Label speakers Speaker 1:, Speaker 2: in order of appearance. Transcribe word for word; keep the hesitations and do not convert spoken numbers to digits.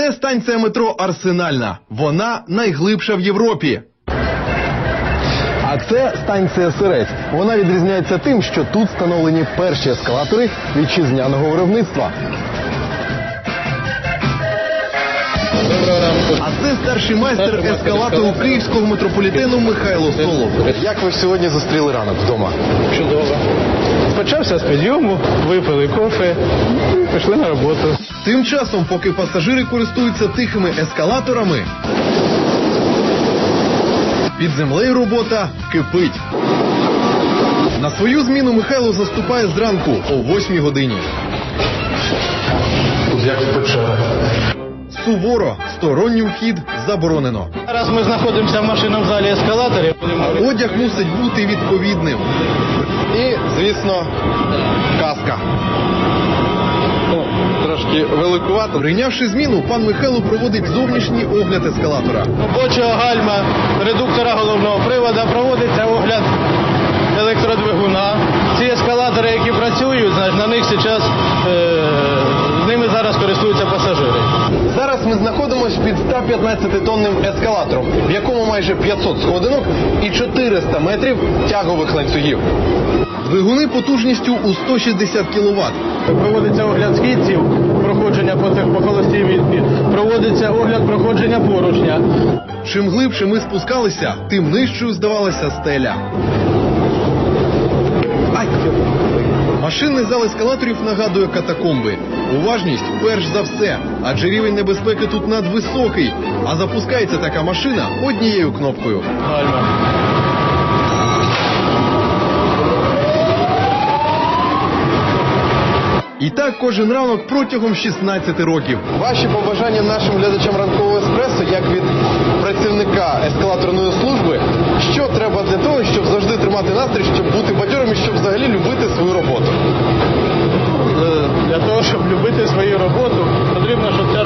Speaker 1: Це станція метро Арсенальна. Вона найглибша в Європі. А це станція Сирець. Вона відрізняється тим, що тут встановлені перші ескалатори вітчизняного виробництва. А це старший майстер ескалатору київського метрополітену Михайло Солов. Як ви сьогодні зустріли ранок вдома?
Speaker 2: Чудово. Почався з підйому, випили кофе і пішли на роботу.
Speaker 1: Тим часом, поки пасажири користуються тихими ескалаторами, під землею робота кипить. На свою зміну Михайло заступає зранку о восьмій годині.
Speaker 2: Тут як в печерах.
Speaker 1: Суворо, сторонній вхід заборонено.
Speaker 2: Зараз ми знаходимося в машинному залі ескалаторів.
Speaker 1: Одяг мусить бути відповідним. І, звісно, каска. О, трошки великувато. Прийнявши зміну, пан Михайло проводить зовнішній огляд ескалатора.
Speaker 2: Робочого гальма, редуктора головного приводу, проводиться огляд електродвигуна. Ці ескалатори, які працюють, на них зараз, е, ними зараз користуються пасажири.
Speaker 1: Зараз ми знаходимося під ста п'ятнадцятитонним ескалатором, в якому майже п'ятсот сходинок і чотириста метрів тягових ланцюгів. Двигуни потужністю у сто шістдесят кіловат.
Speaker 2: Проводиться огляд східців, проходження по цих по холостій відбі, проводиться огляд проходження поручня.
Speaker 1: Чим глибше ми спускалися, тим нижчою здавалася стеля. Ай! Машинний зал ескалаторів нагадує катакомби. Уважність перш за все, адже рівень небезпеки тут надвисокий, а запускається така машина однією кнопкою.
Speaker 2: Гальма.
Speaker 1: І так кожен ранок протягом шістнадцяти років. Ваші побажання нашим глядачам ранкового еспресо, як від працівника ескалаторної служби, що треба для того, щоб завжди тримати настрій, щоб бути бадьорим і щоб взагалі любити свою роботу?
Speaker 2: Для того, щоб любити свою роботу, потрібно, щоб ця